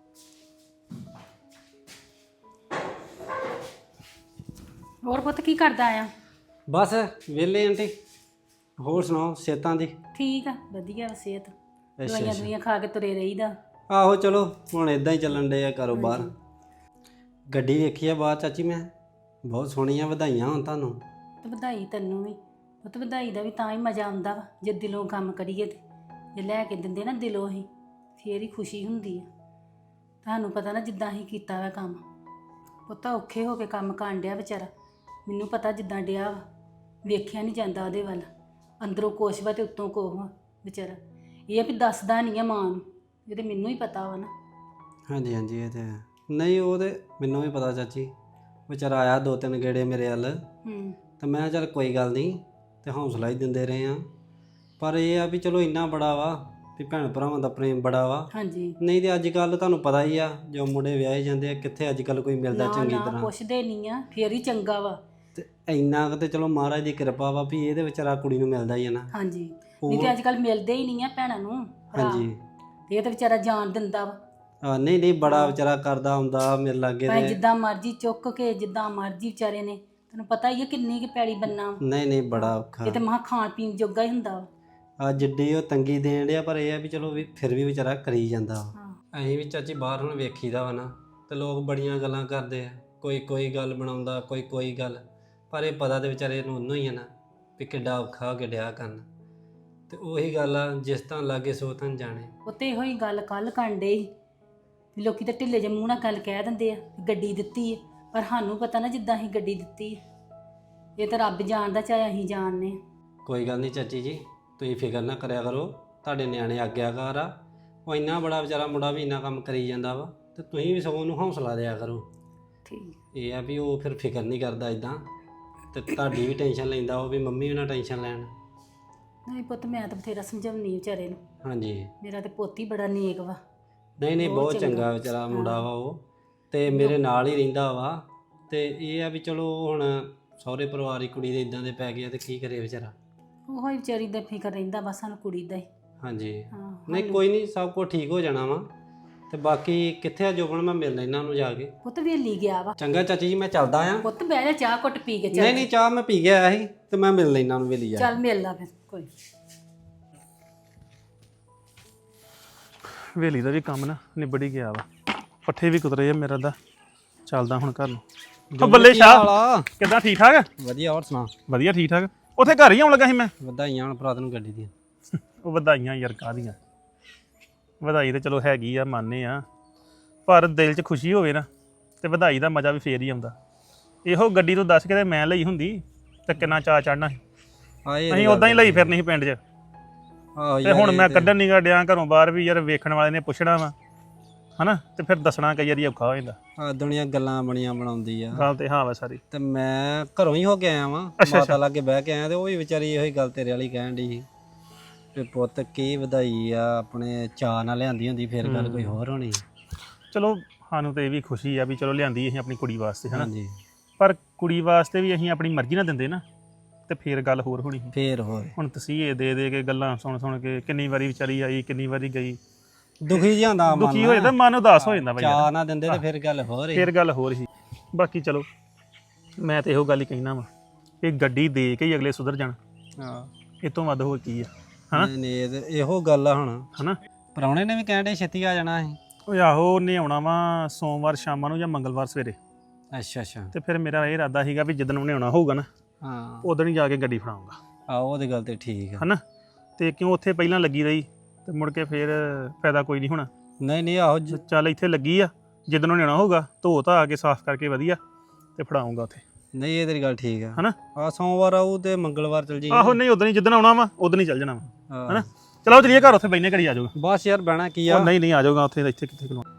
Speaker 7: ਹੋਰ ਪੁੱਤ ਕੀ ਕਰਦਾ ਆ?
Speaker 6: ਬਸ ਵਿਹਲੇ ਆਂਟੀ। ਹੋਰ ਸੁਣਾਓ ਸਿਹਤਾਂ ਦੀ?
Speaker 7: ਠੀਕ ਆ, ਵਧੀਆ ਵਾ ਸਿਹਤ।
Speaker 6: ਅੱਛਾ
Speaker 7: ਦਵਾਈਆਂ
Speaker 6: ਅੱਛਾ।
Speaker 7: ਦੁਈਆਂ ਖਾ ਕੇ ਤੁਰੇ ਰਹੀਦਾ।
Speaker 6: ਆਹੋ ਚਲੋ ਹੁਣ ਇਦਾਂ ਹੀ ਚੱਲਣ ਡੇ ਆ ਕਾਰੋਬਾਰ। ਗੱਡੀ ਵੇਖੀ ਆ ਬਾਹਰ ਚਾਚੀ, ਮੈਂ ਬਹੁਤ ਸੋਹਣੀ ਆ। ਵਧਾਈਆਂ ਹੋਣ ਤੁਹਾਨੂੰ।
Speaker 7: ਤੇ ਵਧਾਈ ਤੈਨੂੰ ਵੀ ਪੁੱਤ। ਵਧਾਈ ਦਾ ਵੀ ਤਾਂ ਹੀ ਮਜ਼ਾ ਆਉਂਦਾ ਵਾ ਜੇ ਦਿਲੋਂ ਕੰਮ ਕਰੀਏ ਤੇ। ਜੇ ਲੈ ਕੇ ਦਿੰਦੇ ਨਾ ਦਿਲੋਂ ਹੀ, ਫੇਰ ਹੀ ਖੁਸ਼ੀ ਹੁੰਦੀ ਆ। ਤੁਹਾਨੂੰ ਪਤਾ ਨਾ ਜਿੱਦਾਂ ਹੀ ਕੀਤਾ ਵਾ ਕੰਮ, ਪੁੱਤ ਔਖੇ ਹੋ ਕੇ ਕੰਮ ਕਰਨ ਡਿਆ ਵਿਚਾਰਾ। ਮੈਨੂੰ ਪਤਾ ਜਿੱਦਾਂ ਡਿਆ ਵਾ, ਵੇਖਿਆ ਨਹੀਂ ਜਾਂਦਾ ਉਹਦੇ ਵੱਲ। ਅੰਦਰੋਂ ਕੁਛ ਵਾ ਤੇ ਉੱਤੋਂ ਕੋਹ ਵਾ ਵਿਚਾਰਾ। ਇਹ ਆ ਵੀ ਦੱਸਦਾ ਨਹੀਂ ਆ ਮਾਂ ਨੂੰ, ਇਹ ਤੇ ਮੈਨੂੰ ਹੀ ਪਤਾ ਵਾ ਨਾ।
Speaker 6: ਹਾਂਜੀ ਹਾਂਜੀ ਇਹ ਤੇ ਹੈ। ਨਹੀਂ ਉਹ ਤੇ ਮੈਨੂੰ ਵੀ ਪਤਾ ਚਾਚੀ। ਵਿਚਾਰਾ ਆਇਆ 2-3 ਗੇੜੇ ਮੇਰੇ ਵੱਲ, ਤਾਂ ਮੈਂ ਚੱਲ ਕੋਈ ਗੱਲ ਨਹੀਂ, ਤੇ ਹੌਸਲਾ ਹੀ ਦਿੰਦੇ ਰਹੇ ਆ। ਪਰ ਇਹ ਆ ਵੀ ਚਲੋ ਇੰਨਾ ਬੜਾ ਵਾ ਵੀ ਭੈਣ ਭਰਾਵਾਂ ਦਾ ਪ੍ਰੇਮ ਬੜਾ ਵਾ।
Speaker 7: ਹਾਂਜੀ।
Speaker 6: ਨਹੀਂ ਤੇ ਅੱਜ ਕੱਲ ਤੁਹਾਨੂੰ ਪਤਾ ਹੀ ਆ, ਜੋ ਮੁੰਡੇ ਵਿਆਹੇ ਜਾਂਦੇ ਆ ਕਿੱਥੇ ਅੱਜ ਕੱਲ ਕੋਈ ਮਿਲਦਾ ਚੰਗੀ
Speaker 7: ਨਾ
Speaker 6: ਤਰ੍ਹਾਂ।
Speaker 7: ਪੁੱਛਦੇ ਨਹੀਂ ਆ, ਫੇਰ ਹੀ ਚੰਗਾ ਵਾ।
Speaker 6: ਤੇ ਇੰਨਾ ਕੁ ਤੇ ਚਲੋ ਮਹਾਰਾਜ ਦੀ ਕਿਰਪਾ ਵਾ ਵੀ ਇਹਦੇ ਵਿਚਾਰਾ ਕੁੜੀ ਨੂੰ ਮਿਲਦਾ ਹੀ ਆ ਨਾ।
Speaker 7: ਹਾਂਜੀ। ਨਹੀਂ ਤੇ ਅੱਜ ਕੱਲ ਮਿਲਦੇ ਹੀ ਨਹੀਂ ਆ ਭੈਣਾਂ ਨੂੰ ਭਰਾ।
Speaker 6: ਹਾਂਜੀ।
Speaker 7: ਤੇ ਇਹ ਤਾਂ ਵਿਚਾਰਾ ਜਾਨ ਦਿੰਦਾ ਵਾ।
Speaker 6: ਨਹੀਂ ਨਹੀਂ ਬੜਾ ਵਿਚਾਰਾ ਕਰਦਾ ਹੁੰਦਾ ਮੇਰੇ ਲਾਗੇ
Speaker 7: ਭਾਵੇਂ
Speaker 6: ਤੇ।
Speaker 7: ਜਿੱਦਾਂ ਮਰਜ਼ੀ ਚੁੱਕ ਕੇ, ਜਿੱਦਾਂ ਮਰਜ਼ੀ ਵਿਚਾਰੇ ਨੇ, ਤੈਨੂੰ ਪਤਾ ਹੀ ਆ ਕਿੰਨੀ ਕਿ ਪੈੜੀ ਬੰਨਾ ਵਾ।
Speaker 6: ਨਹੀਂ ਨਹੀਂ ਬੜਾ ਔਖਾ।
Speaker 7: ਇਹ ਤੇ ਮਹਾ ਖਾਣ ਪੀਣ ਜੋਗਾ ਹੀ ਹੁੰਦਾ ਵਾ।
Speaker 6: ਆ ਜਿੱਡੀ ਉਹ ਤੰਗੀ ਦੇਣ ਡਿਆ, ਪਰ ਇਹ ਆ ਵੀ ਚਲੋ ਵੀ ਫਿਰ ਵੀ ਵਿਚਾਰਾ ਕਰੀ ਜਾਂਦਾ ਵਾ।
Speaker 7: ਹਾਂ।
Speaker 6: ਅਸੀਂ ਵੀ ਚਾਚੀ ਬਾਹਰ ਹੁਣ ਵੇਖੀਦਾ ਵਾ ਨਾ, ਤੇ ਲੋਕ ਬੜੀਆਂ ਗੱਲਾਂ ਕਰਦੇ ਆ। ਕੋਈ ਗੱਲ ਬਣਾਉਂਦਾ, ਕੋਈ ਗੱਲ। ਪਰ ਇਹ ਪਤਾ ਤੇ ਵਿਚਾਰੇ ਨੂੰ ਉਹਨੂੰ ਹੀ ਆ ਨਾ ਵੀ ਕਿੱਡਾ ਔਖਾ ਹੋ ਕੇ ਡਿਆ ਕਰਨ। ਤੇ ਉਹੀ ਗੱਲ ਆ, ਜਿਸ ਤਾਂ ਲਾਗੇ ਸੋ ਤਾਂ ਜਾਣੇ।
Speaker 7: ਉੱਤੇ ਇਹੋ ਹੀ ਗੱਲ ਕੱਲ ਕਾਂਡੇ ਵੀ ਲੋਕੀ ਤਾਂ ਢਿੱਲੇ ਜਿਹੇ ਮੂੰਹ ਨਾਲ ਗੱਲ ਕਹਿ ਦਿੰਦੇ ਆ ਵੀ ਗੱਡੀ ਦਿੱਤੀ ਹੈ, ਪਰ ਸਾਨੂੰ ਪਤਾ ਨਾ ਜਿੱਦਾਂ ਅਸੀਂ ਗੱਡੀ ਦਿੱਤੀ ਹੈ। ਇਹ ਤਾਂ ਰੱਬ ਜਾਣਦਾ, ਚਾਹੇ ਅਸੀਂ ਜਾਣਦੇ ਹਾਂ।
Speaker 6: ਕੋਈ ਗੱਲ ਨਹੀਂ ਚਾਚੀ ਜੀ, ਤੁਸੀਂ ਫਿਕਰ ਨਾ ਕਰਿਆ ਕਰੋ, ਤੁਹਾਡੇ ਨਿਆਣੇ ਆਗਿਆਕਾਰ ਆ। ਉਹ ਇੰਨਾ ਬੜਾ ਵਿਚਾਰਾ ਮੁੰਡਾ ਵੀ ਇੰਨਾ ਕੰਮ ਕਰੀ ਜਾਂਦਾ ਵਾ, ਤੇ ਤੁਸੀਂ ਵੀ ਸਗੋਂ ਉਹਨੂੰ ਹੌਸਲਾ ਦਿਆ ਕਰੋ।
Speaker 7: ਠੀਕ।
Speaker 6: ਇਹ ਆ ਵੀ ਉਹ ਫਿਰ ਫਿਕਰ ਨਹੀਂ ਕਰਦਾ ਇਦਾਂ, ਤੇ ਤੁਹਾਡੀ ਵੀ ਟੈਨਸ਼ਨ ਲੈਂਦਾ ਉਹ ਵੀ ਮੰਮੀ ਵੀ ਨਾ ਟੈਨਸ਼ਨ ਲੈਣ।
Speaker 7: ਨਹੀਂ ਪੁੱਤ, ਮੈਂ ਤਾਂ ਬਥੇਰਾ ਸਮਝਾਉਣੀ ਵਿਚਾਰੇ ਨੂੰ।
Speaker 6: ਹਾਂਜੀ।
Speaker 7: ਮੇਰਾ ਤੇ ਪੋਤੀ ਬੜਾ ਨੇਕ ਵਾ।
Speaker 6: ਨਹੀਂ
Speaker 7: ਬਹੁਤ
Speaker 6: ਬਹੁਤ ਚੰਗਾ
Speaker 7: ਚੰਗਾ
Speaker 6: ਵਿਚਾਰਾ ਮੁੰਡਾ ਵਾ ਉਹ, ਤੇ ਮੇਰੇ ਨਾਲ ਹੀ ਰਹਿੰਦਾ ਵਾ। ਤੇ ਇਹ ਆ ਵੀ ਚਲੋ ਹੁਣ ਸਹੁਰੇ ਪਰਿਵਾਰ ਦੀ ਕੁੜੀ ਦੇ ਇਦਾਂ ਦੇ ਪੈ ਗਏ ਆ ਤੇ ਕੀ ਕਰੇ ਵਿਚਾਰਾ।
Speaker 7: ਉਹ ਹੀ ਵਿਚਾਰੀ ਦਾ ਫਿਕਰ ਰਹਿੰਦਾ ਬਸ ਸਾਨੂੰ ਕੁੜੀ ਦਾ ਹੀ।
Speaker 6: ਹਾਂਜੀ।
Speaker 7: ਹਾਂ।
Speaker 6: ਨਹੀਂ ਕੋਈ ਨਹੀਂ, ਸਭ ਕੁਝ ਠੀਕ ਹੋ ਜਾਣਾ ਵਾ। ਤੇ ਬਾਕੀ ਕਿੱਥੇ ਆ ਜੋਬਨ, ਮੈਂ ਮਿਲਣਾ ਇਹਨਾਂ ਨੂੰ ਜਾ ਕੇ।
Speaker 7: ਪੁੱਤ ਵੇਲੀ ਗਿਆ ਵਾ।
Speaker 6: ਚੰਗਾ ਚਾਚੀ ਜੀ, ਮੈਂ ਚੱਲਦਾ ਆ।
Speaker 7: ਪੁੱਤ ਬਹਿ ਜਾ, ਚਾਹ ਘੁੱਟ ਪੀ ਕੇ ਚੱਲ।
Speaker 6: ਨਹੀਂ ਚਾਹ ਮੈਂ ਪੀ ਕੇ ਆਇਆ ਸੀ, ਤੇ ਮੈਂ ਮਿਲ ਲੈਣਾ ਨੂੰ ਵੇਲੀ ਜਾ।
Speaker 7: ਚੱਲ ਮਿਲ ਲਾ ਫਿਰ ਕੋਈ।
Speaker 8: ਹਵੇਲੀ ਦਾ ਵੀ ਕੰਮ ਨਾ ਨਿਬੜ ਹੀ ਗਿਆ ਵਾ, ਪੱਠੇ ਵੀ ਕੁਤਰੇ ਆ ਮੇਰਾ ਦਾ। ਚੱਲਦਾ ਹੁਣ ਘਰ ਨੂੰ। ਬੱਲੇ ਸ਼ਾਹ, ਕਿੱਦਾਂ ਠੀਕ ਠਾਕ?
Speaker 6: ਵਧੀਆ, ਹੋਰ ਸੁਣਾ?
Speaker 8: ਵਧੀਆ ਠੀਕ ਠਾਕ। ਉੱਥੇ ਘਰ ਹੀ ਆਉਣ ਲੱਗਾ ਸੀ ਮੈਂ।
Speaker 6: ਵਧਾਈਆਂ ਹੁਣ ਭਰਾ ਤੈਨੂੰ ਗੱਡੀ ਦੀਆਂ।
Speaker 8: ਉਹ ਵਧਾਈਆਂ ਯਾਰ ਕਾਹਦੀਆਂ, ਵਧਾਈ ਤੇ ਚਲੋ ਹੈਗੀ ਆ, ਮੰਨਦੇ ਆ, ਪਰ ਦਿਲ 'ਚ ਖੁਸ਼ੀ ਹੋਵੇ ਨਾ ਤੇ ਵਧਾਈ ਦਾ ਮਜ਼ਾ ਵੀ ਫੇਰ ਹੀ ਆਉਂਦਾ। ਇਹੋ ਗੱਡੀ ਤੋਂ ਦੱਸ ਕੇ ਤੇ ਮੈਂ ਲਈ ਹੁੰਦੀ ਤੇ ਕਿੰਨਾ ਚਾਅ ਚੜ੍ਹਨਾ ਸੀ। ਅਸੀਂ ਉਦਾਂ ਹੀ ਲਈ ਫਿਰਨੀ ਸੀ ਪਿੰਡ 'ਚ। ਤੇ ਹੁਣ ਮੈਂ ਕੱਢਣ ਨਹੀਂ ਗਾ ਡਿਆ ਘਰੋਂ ਬਾਹਰ ਵੀ, ਯਾਰ ਵੇਖਣ ਵਾਲੇ ਨੇ ਪੁੱਛਣਾ ਵਾ ਹਨਾ, ਤੇ ਫਿਰ ਦੱਸਣਾ ਕਈ ਵਾਰੀ ਔਖਾ ਹੋ ਜਾਂਦਾ।
Speaker 6: ਆ ਦੁਨੀਆ ਗੱਲਾਂ ਬਣੀਆਂ ਬਣਾਉਂਦੀ ਆ।
Speaker 8: ਗੱਲ ਤੇ ਹਾਂ ਵਾ ਸਾਰੀ।
Speaker 6: ਤੇ ਮੈਂ ਘਰੋਂ ਹੀ ਹੋ ਕੇ ਆਇਆ ਵਾਂ, ਮਾਤਾ ਲਾਗੇ ਬਹਿ ਕੇ ਆਇਆ, ਤੇ ਉਹ ਵੀ ਵਿਚਾਰੀ ਇਹੋ ਹੀ ਗੱਲ ਤੇਰੇ ਵਾਲੀ ਕਹਿਣ ਦੀ ਸੀ ਤੇ ਪੁੱਤ ਕੀ ਵਧਾਈ ਆ, ਆਪਣੇ ਚਾਅ ਨਾਲ ਲਿਆਂਦੀ ਹੁੰਦੀ ਫਿਰ ਗੱਲ ਕੋਈ ਹੋਰ ਹੋਣੀ।
Speaker 8: ਚਲੋ ਸਾਨੂੰ ਤੇ ਇਹ ਵੀ ਖੁਸ਼ੀ ਆ ਵੀ ਚਲੋ ਲਿਆਂਦੀ ਅਸੀਂ ਆਪਣੀ ਕੁੜੀ ਵਾਸਤੇ ਹਨਾ,
Speaker 6: ਹਾਂਜੀ।
Speaker 8: ਪਰ ਕੁੜੀ ਵਾਸਤੇ ਵੀ ਅਸੀਂ ਆਪਣੀ ਮਰਜ਼ੀ ਨਾਲ ਦਿੰਦੇ ਨਾ ਤੇ ਫੇਰ ਗੱਲ ਹੋਰ ਹੋਣੀ ਸੀ।
Speaker 6: ਫੇਰ ਹੋਰ
Speaker 8: ਹੁਣ ਤਸੀਹੇ ਦੇ ਕੇ ਗੱਲਾਂ ਸੁਣ ਕੇ ਕਿੰਨੀ ਵਾਰੀ ਵਿਚਾਰੀ ਆਈ, ਕਿੰਨੀ ਵਾਰੀ ਗਈ,
Speaker 6: ਦੁਖੀ ਜਿਹਾ ਹੁੰਦਾ ਮਨ।
Speaker 8: ਦੁਖੀ ਹੋ ਜਾਂਦਾ, ਮਨ ਉਦਾਸ ਹੋ ਜਾਂਦਾ ਬਈ।
Speaker 6: ਚਾਅ ਨਾ ਦਿੰਦੇ ਤੇ ਫਿਰ ਗੱਲ ਹੋਰ ਹੀ।
Speaker 8: ਫੇਰ ਗੱਲ ਹੋਰ ਸੀ। ਬਾਕੀ ਚਲੋ ਮੈਂ ਤੇ ਇਹੋ ਗੱਲ ਹੀ ਕਹਿਣਾ ਵਾ ਕਿ ਗੱਡੀ ਦੇ ਕੇ ਹੀ ਅਗਲੇ ਸੁਧਰ ਜਾਣ।
Speaker 6: ਹਾਂ,
Speaker 8: ਇਹ ਤੋਂ ਵੱਧ ਹੋਰ ਕੀ ਆ ਹਨਾ।
Speaker 6: ਨਹੀਂ ਇਹੋ ਗੱਲ ਆ ਹੁਣ।
Speaker 8: ਹਨਾ
Speaker 6: ਪ੍ਰਾਹੁਣੇ ਨੇ ਵੀ ਕਹਿਣ ਦੇ ਛੇਤੀ ਆ ਜਾਣਾ ਸੀ।
Speaker 8: ਉਹ ਆਹੋ ਉਹਨੇ ਆਉਣਾ ਵਾ ਸੋਮਵਾਰ ਸ਼ਾਮਾਂ ਨੂੰ ਜਾਂ ਮੰਗਲਵਾਰ ਸਵੇਰੇ।
Speaker 6: ਅੱਛਾ।
Speaker 8: ਤੇ ਫਿਰ ਮੇਰਾ ਇਹ ਇਰਾਦਾ ਸੀਗਾ ਵੀ ਜਿੱਦਣ ਉਹਨੇ ਆਉਣਾ ਹੋਊਗਾ ਨਾ
Speaker 6: ਹਾਂ,
Speaker 8: ਉਦੋਂ ਹੀ ਜਾ ਕੇ ਗੱਡੀ ਫੜਾਉਂਗਾ।
Speaker 6: ਉਹ ਤੇ ਗੱਲ ਤੇ ਠੀਕ ਆ।
Speaker 8: ਹਨਾ ਤੇ ਕਿਉਂ ਉੱਥੇ ਪਹਿਲਾਂ ਲੱਗੀ ਰਹੀ ਤੇ ਮੁੜ ਕੇ ਫਿਰ ਫਾਇਦਾ ਕੋਈ ਨਹੀਂ ਹੋਣਾ।
Speaker 6: ਨਹੀਂ ਆਹੋ
Speaker 8: ਤੇ ਚੱਲ ਇੱਥੇ ਲੱਗੀ ਆ, ਜਿੱਦਣ ਉਹਨੇ ਆਉਣਾ ਹੋਊਗਾ ਧੋ ਧਾ ਕੇ ਸਾਫ਼ ਕਰਕੇ ਵਧੀਆ ਤੇ ਫੜਾਉਂਗਾ ਉੱਥੇ।
Speaker 6: ਨਹੀਂ ਇਹ ਤੇਰੀ ਗੱਲ ਠੀਕ ਆ।
Speaker 8: ਹਨਾ
Speaker 6: ਸੋਮਵਾਰ ਆਊ ਤੇ ਮੰਗਲਵਾਰ ਚਲ ਜੀ।
Speaker 8: ਆਹੋ ਨਹੀਂ ਉਦੋਂ ਹੀ ਜਿੱਦਣ ਆਉਣਾ ਵਾ ਉਦੋਂ ਹੀ ਚੱਲ ਜਾਣਾ ਵਾ
Speaker 6: ਹਾਂ।
Speaker 8: ਹਨਾ। ਚਲੋ ਚਲੀਏ ਘਰ, ਉੱਥੇ ਬੈਠਨੇ ਘੜੀ ਆ ਜਾਊਗਾ।
Speaker 6: ਬਸ ਯਾਰ ਬਹਿਣਾ ਕੀ ਆ।
Speaker 8: ਨਹੀਂ ਆ ਜਾਊਗਾ ਉੱਥੇ, ਇੱਥੇ ਕਿੱਥੇ ਖਲੋਣਾ।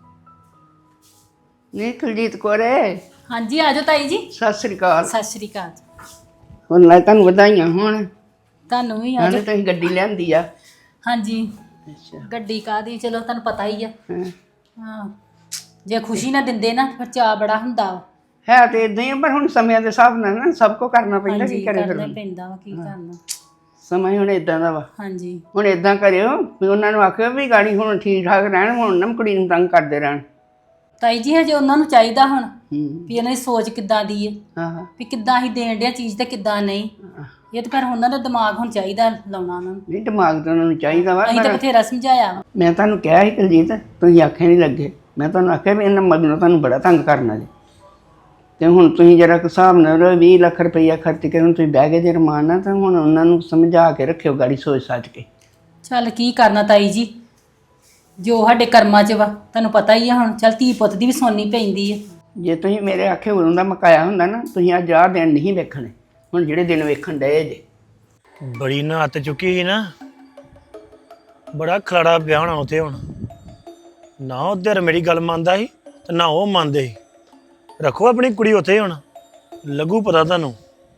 Speaker 9: ਨਹੀਂ ਕੁਲਜੀਤ ਕੋਰੇ,
Speaker 7: ਹਾਂਜੀ ਆ ਜਾਓ ਤਾਈ ਜੀ।
Speaker 9: ਸਤਿ ਸ੍ਰੀ ਅਕਾਲ।
Speaker 7: ਸਤਿ ਸ਼੍ਰੀ ਅਕਾਲ ਜੀ।
Speaker 9: ਹੁਣ ਲੈ ਤੁਹਾਨੂੰ ਵਧਾਈਆਂ ਹੋਣ।
Speaker 7: ਤੁਹਾਨੂੰ ਵੀ ਆ
Speaker 9: ਹਾਲੇ
Speaker 7: ਜਾਓ।
Speaker 9: ਤੁਸੀਂ ਗੱਡੀ ਲਿਆਂਦੀ ਆ।
Speaker 7: ਹਾਂਜੀ,
Speaker 9: ਅੱਛਾ।
Speaker 7: ਗੱਡੀ ਕਾਹਦੀ, ਚਲੋ ਤੁਹਾਨੂੰ ਪਤਾ ਹੀ ਆ।
Speaker 9: ਹਾਂ।
Speaker 7: ਹਾਂ, ਜੇ ਖੁਸ਼ੀ ਨਾ ਦਿੰਦੇ ਨਾ ਫਿਰ ਚਾਅ ਬੜਾ ਹੁੰਦਾ ਵਾ।
Speaker 9: ਹੈ ਤੇ ਇਦਾਂ ਹੀ ਆ, ਪਰ ਹੁਣ ਸਮਿਆਂ ਦੇ ਹਿਸਾਬ ਨਾਲ ਨਾ ਸਭ ਕੁਝ ਕਰਨਾ ਪੈਂਦਾ। ਕੀ ਕਰੇ
Speaker 7: ਕਰਨਾ
Speaker 9: ਫਿਰ,
Speaker 7: ਪੈਂਦਾ ਵਾ, ਕੀ ਕਰਨਾ।
Speaker 9: ਸਮਾਂ ਹੀ ਹੁਣ ਇਦਾਂ ਦਾ ਵਾ।
Speaker 7: ਹਾਂਜੀ,
Speaker 9: ਹੁਣ ਇਦਾਂ ਕਰਿਓ ਵੀ ਉਹਨਾਂ ਨੂੰ ਆਖਿਓ ਵੀ ਗਾੜੀ ਹੁਣ ਠੀਕ ਠਾਕ ਰਹਿਣ, ਹੁਣ ਨਾ ਕੁੜੀ ਨੂੰ ਤੰਗ ਕਰਦੇ ਰਹਿਣ।
Speaker 7: ਤਾਈ ਜੀ ਹਜੇ ਉਹਨਾਂ ਨੂੰ ਚਾਹੀਦਾ ਹੁਣ
Speaker 9: ਹੂੰ।
Speaker 7: ਵੀ ਇਹਨਾਂ ਦੀ ਸੋਚ ਕਿੱਦਾਂ ਦੀ ਹੈ,
Speaker 9: ਹਾਂ।
Speaker 7: ਵੀ ਕਿੱਦਾਂ ਅਸੀਂ ਦੇਣ ਡਿਆ ਚੀਜ਼ ਤੇ ਕਿੱਦਾਂ ਨਹੀਂ। ਇਹ ਤਾਂ ਫਿਰ ਉਹਨਾਂ ਦਾ ਦਿਮਾਗ ਹੁਣ ਚਾਹੀਦਾ ਲਾਉਣਾ ਉਹਨਾਂ ਨੂੰ।
Speaker 9: ਨਹੀਂ ਦਿਮਾਗ ਤਾਂ ਉਹਨਾਂ ਨੂੰ ਚਾਹੀਦਾ ਵਾ,
Speaker 7: ਅਸੀਂ ਤਾਂ
Speaker 9: ਪਰ
Speaker 7: ਬਥੇਰਾ ਸਮਝਾਇਆ ਵਾ।
Speaker 9: ਮੈਂ ਤੁਹਾਨੂੰ ਕਿਹਾ ਸੀ ਕੁਲਜੀਤ, ਤੁਸੀਂ ਆਖੇ ਨਹੀਂ ਲੱਗੇ। ਮੈਂ ਤੁਹਾਨੂੰ ਆਖਿਆ ਵੀ ਇਹਨਾਂ ਮਗਰੋਂ ਤੁਹਾਨੂੰ ਬੜਾ ਤੰਗ ਕਰਨਾ ਜੀ। ਤੇ ਹੁਣ ਤੁਸੀਂ ਜਰਾ ਕੁ ਹਿਸਾਬ ਨਾਲ 20 ਲੱਖ ਰੁਪਈਆ ਖਰਚ ਕੇ ਹੁਣ ਤੁਸੀਂ ਬਹਿ ਗਏ ਜੇ ਰਮਾਨ ਨਾਲ, ਤਾਂ ਹੁਣ ਉਹਨਾਂ ਨੂੰ ਸਮਝਾ ਕੇ ਰੱਖਿਓ ਗਾੜੀ ਸੋਚ ਸਾਚ ਕੇ।
Speaker 7: ਚੱਲ ਕੀ ਕਰਨਾ ਤਾਈ ਜੀ, ਜੋ ਸਾਡੇ ਕਰਮਾਂ 'ਚ ਵਾ ਤੁਹਾਨੂੰ ਪਤਾ ਹੀ ਆ। ਹੁਣ ਚੱਲ ਧੀ ਪੁੱਤ ਦੀ ਵੀ ਸੁਣਨੀ ਪੈਂਦੀ ਹੈ।
Speaker 9: ਜੇ ਤੁਸੀਂ ਮੇਰੇ ਆਖੇ ਉਦੋਂ ਦਾ ਮਕਾਇਆ ਹੁੰਦਾ ਨਾ, ਤੁਸੀਂ ਅੱਜ ਆਹ ਦਿਨ ਨਹੀਂ ਵੇਖਣੇ, ਹੁਣ ਜਿਹੜੇ ਦਿਨ ਵੇਖਣ ਡਏ ਜੇ।
Speaker 1: ਬੜੀ ਨਾ ਹੱਤ ਚੁੱਕੀ ਸੀ ਨਾ, ਬੜਾ ਖਲਾੜਾ ਪਿਆ ਹੋਣਾ ਉੱਥੇ। ਹੁਣ ਨਾ ਉਧਰ ਮੇਰੀ ਗੱਲ ਮੰਨਦਾ ਸੀ ਤੇ ਨਾ ਉਹ ਮੰਨਦੇ ਸੀ। ਰੱਖੋ ਆਪਣੀ ਕੁੜੀ ਉੱਥੇ, ਹੁਣ ਲੱਗੂ ਪਤਾ ਤੁਹਾਨੂੰ।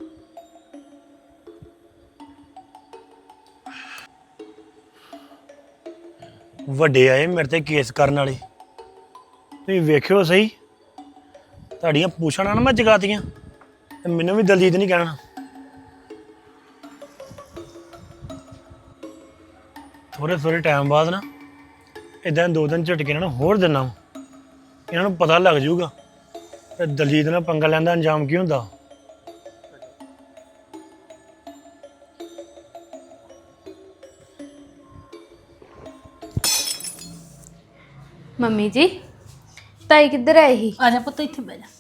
Speaker 1: ਵੱਡੇ ਆਏ ਮੇਰੇ ਤੇ ਕੇਸ ਕਰਨ ਵਾਲੇ, ਤੁਸੀਂ ਵੇਖਿਓ ਸਹੀ। ਤੁਹਾਡੀਆਂ ਪੁੱਛਣਾ ਨਾ ਮੈਂ ਜਗਾਤੀਆਂ ਤੇ ਮੈਨੂੰ ਵੀ ਦਲਜੀਤ ਨਹੀਂ ਕਹਿਣਾ। ਥੋੜੇ ਟਾਈਮ ਬਾਅਦ ਨਾ ਇਦਾਂ 2 ਦਿਨ ਝਟਕੇ ਇਹਨਾਂ ਨੂੰ ਹੋਰ ਦਿਨਾ, ਇਹਨਾਂ ਨੂੰ ਪਤਾ ਲੱਗ ਜਾਊਗਾ ਤੇ ਦਲਜੀਤ ਨਾਲ ਪੰਗਾ ਲੈਣ ਦਾ ਅੰਜਾਮ ਕੀ ਹੁੰਦਾ।
Speaker 5: ਮੰਮੀ ਜੀ, ਤਾਈ ਕਿੱਧਰ ਆਏ ਸੀ?
Speaker 7: ਆ ਜਾ ਪੁੱਤ ਇੱਥੇ ਬਹਿ ਜਾ।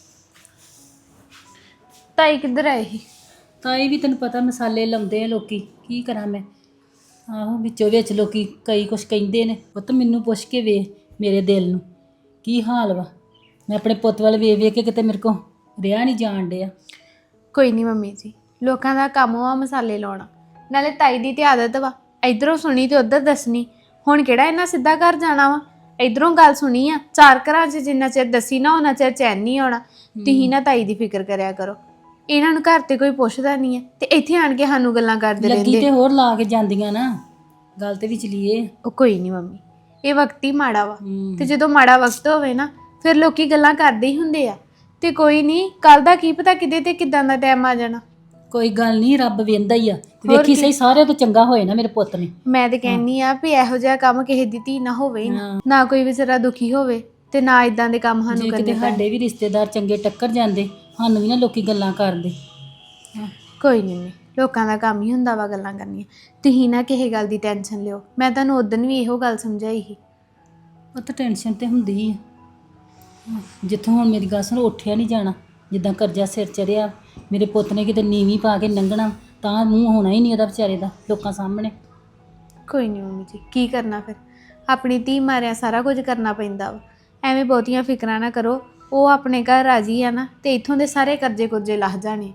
Speaker 5: ਤਾਈ ਕਿੱਧਰ ਆਏ ਸੀ?
Speaker 7: ਤਾਈ ਵੀ ਤੈਨੂੰ ਪਤਾ ਮਸਾਲੇ ਲਾਉਂਦੇ ਆ ਲੋਕੀ, ਕੀ ਕਰਾਂ ਮੈਂ। ਆਹੋ ਵਿੱਚੋਂ ਵਿੱਚ ਲੋਕੀ ਕਈ ਕੁਛ ਕਹਿੰਦੇ ਨੇ, ਪੁੱਤ ਮੈਨੂੰ ਪੁੱਛ ਕੇ ਵੇਖ ਮੇਰੇ ਦਿਲ ਨੂੰ ਕੀ ਹਾਲ ਵਾ। ਮੈਂ ਆਪਣੇ ਪੁੱਤ ਵੱਲ ਵੇਖ ਵੇਖ ਕੇ ਕਿਤੇ ਮੇਰੇ ਕੋ ਰਿਹਾ ਨਹੀਂ ਜਾਣ ਡਿਆ।
Speaker 5: ਕੋਈ ਨਹੀਂ ਮੰਮੀ ਜੀ, ਲੋਕਾਂ ਦਾ ਕੰਮ ਵਾ ਮਸਾਲੇ ਲਾਉਣਾ, ਨਾਲੇ ਤਾਈ ਦੀ ਤੇ ਆਦਤ ਵਾ ਇਧਰੋਂ ਸੁਣੀ ਤੇ ਉਧਰ ਦੱਸਣੀ। ਹੁਣ ਕਿਹੜਾ ਇਹਨਾਂ ਸਿੱਧਾ ਘਰ ਜਾਣਾ ਵਾ, ਇਧਰੋਂ ਗੱਲ ਸੁਣੀ ਆ, 4 ਘਰਾਂ 'ਚ ਜਿੰਨਾ ਚਿਰ ਦੱਸੀ ਨਾ ਉਹਨਾਂ ਚਿਰ ਚੈਨ ਨਹੀਂ ਆਉਣਾ। ਤੁਸੀਂ ਨਾ ਤਾਈ ਦੀ ਫਿਕਰ ਕਰਿਆ ਕਰੋ, ਇਹਨਾਂ ਨੂੰ ਘਰ ਤੇ ਕੋਈ ਪੁੱਛਦਾ ਨਹੀਂ ਹੈ ਤੇ ਇੱਥੇ ਆਣ ਕੇ ਸਾਨੂੰ ਗੱਲਾਂ ਕਰਦੇ
Speaker 7: ਲੱਗੀ
Speaker 5: ਰਹਿੰਦੇ।
Speaker 7: ਤੇ ਹੋਰ ਲਾ ਕੇ ਜਾਂਦੀਆਂ ਨਾ, ਗੱਲ ਤੇ ਵੀ ਚਲੀਏ।
Speaker 5: ਉਹ ਕੋਈ ਨਹੀਂ ਮੰਮੀ, ਇਹ ਵਕਤ ਹੀ ਮਾੜਾ ਵਾ ਤੇ ਜਦੋਂ ਮਾੜਾ ਵਕਤ ਹੋਵੇ ਨਾ ਫਿਰ ਲੋਕੀ ਗੱਲਾਂ ਕਰਦੇ ਹੀ ਹੁੰਦੇ ਆ। ਤੇ ਕੋਈ ਨਹੀਂ, ਕੱਲ ਦਾ ਕੀ ਪਤਾ ਕਿਤੇ ਤੇ ਕਿਦਾਂ ਦਾ ਟਾਈਮ ਆ ਜਾਣਾ।
Speaker 7: ਕੋਈ ਗੱਲ ਨਹੀਂ, ਰੱਬ ਵੇਂਦਾ ਹੀ ਆ। ਵੇਖੀ ਸਹੀ ਸਾਰਿਆਂ ਤੋਂ ਚੰਗਾ ਹੋਏ ਨਾ ਮੇਰੇ ਪੁੱਤ ਨੇ।
Speaker 5: ਮੈਂ ਤੇ ਕਹਿੰਨੀ ਆ ਵੀ ਇਹੋ ਜਿਹਾ ਕੰਮ ਕਿਸੇ ਦੀ ਧੀ ਨਾ ਹੋਵੇ ਹੀ ਨਾ, ਨਾ ਕੋਈ ਵਿਚਾਰਾ ਦੁਖੀ ਹੋਵੇ ਤੇ ਨਾ ਇਦਾਂ ਦੇ ਕੰਮ ਸਾਨੂੰ
Speaker 7: ਜੇ
Speaker 5: ਕਰਨੇ
Speaker 7: ਕਿਤੇ ਸਾਡੇ ਵੀ ਰਿਸ਼ਤੇਦਾਰ ਚੰਗੇ ਟੱਕਰ ਜਾਂਦੇ, ਸਾਨੂੰ ਵੀ ਨਾ ਲੋਕੀ ਗੱਲਾਂ ਕਰਦੇ।
Speaker 5: ਕੋਈ ਨਹੀਂ, ਲੋਕਾਂ ਦਾ ਕੰਮ ਹੀ ਹੁੰਦਾ ਵਾ ਗੱਲਾਂ ਕਰਨੀਆਂ। ਤੁਸੀਂ ਨਾ ਕਿਸੇ ਗੱਲ ਦੀ ਟੈਨਸ਼ਨ ਲਿਓ, ਮੈਂ ਤੁਹਾਨੂੰ ਉਦੋਂ ਵੀ ਇਹੋ ਗੱਲ ਸਮਝਾਈ ਸੀ।
Speaker 7: ਉਹ ਤਾਂ ਟੈਨਸ਼ਨ ਤੇ ਹੁੰਦੀ ਹੀ ਆ। ਜਿੱਥੋਂ ਹੁਣ ਮੇਰੀ ਗੱਲ ਸੁਣ, ਉੱਠਿਆ ਨਹੀਂ ਜਾਣਾ, ਜਿੱਦਾਂ ਕਰਜ਼ਾ ਸਿਰ ਚੜਿਆ। ਮੇਰੇ ਪੁੱਤ ਨੇ ਕਿਤੇ ਨੀਵੀਂ ਪਾ ਕੇ ਲੰਘਣਾ ਤਾਂ ਮੂੰਹ ਹੋਣਾ ਹੀ ਨਹੀਂ ਉਹਦਾ ਵਿਚਾਰੇ ਦਾ ਲੋਕਾਂ ਸਾਹਮਣੇ।
Speaker 5: ਕੋਈ ਨਹੀਂ ਮੰਮੀ ਜੀ, ਕੀ ਕਰਨਾ ਫਿਰ, ਆਪਣੀ ਧੀ ਮਾਰਿਆ ਸਾਰਾ ਕੁਝ ਕਰਨਾ ਪੈਂਦਾ ਵਾ। ਐਵੇਂ ਬਹੁਤੀਆਂ ਫਿਕਰਾਂ ਨਾ ਕਰੋ, ਉਹ ਆਪਣੇ ਘਰ ਰਾਜੀ ਆ ਨਾ ਤੇ ਇੱਥੋਂ ਦੇ ਸਾਰੇ ਕਰਜ਼ੇ ਕੁਰਜ਼ੇ ਲਾਹ ਜਾਣੇ।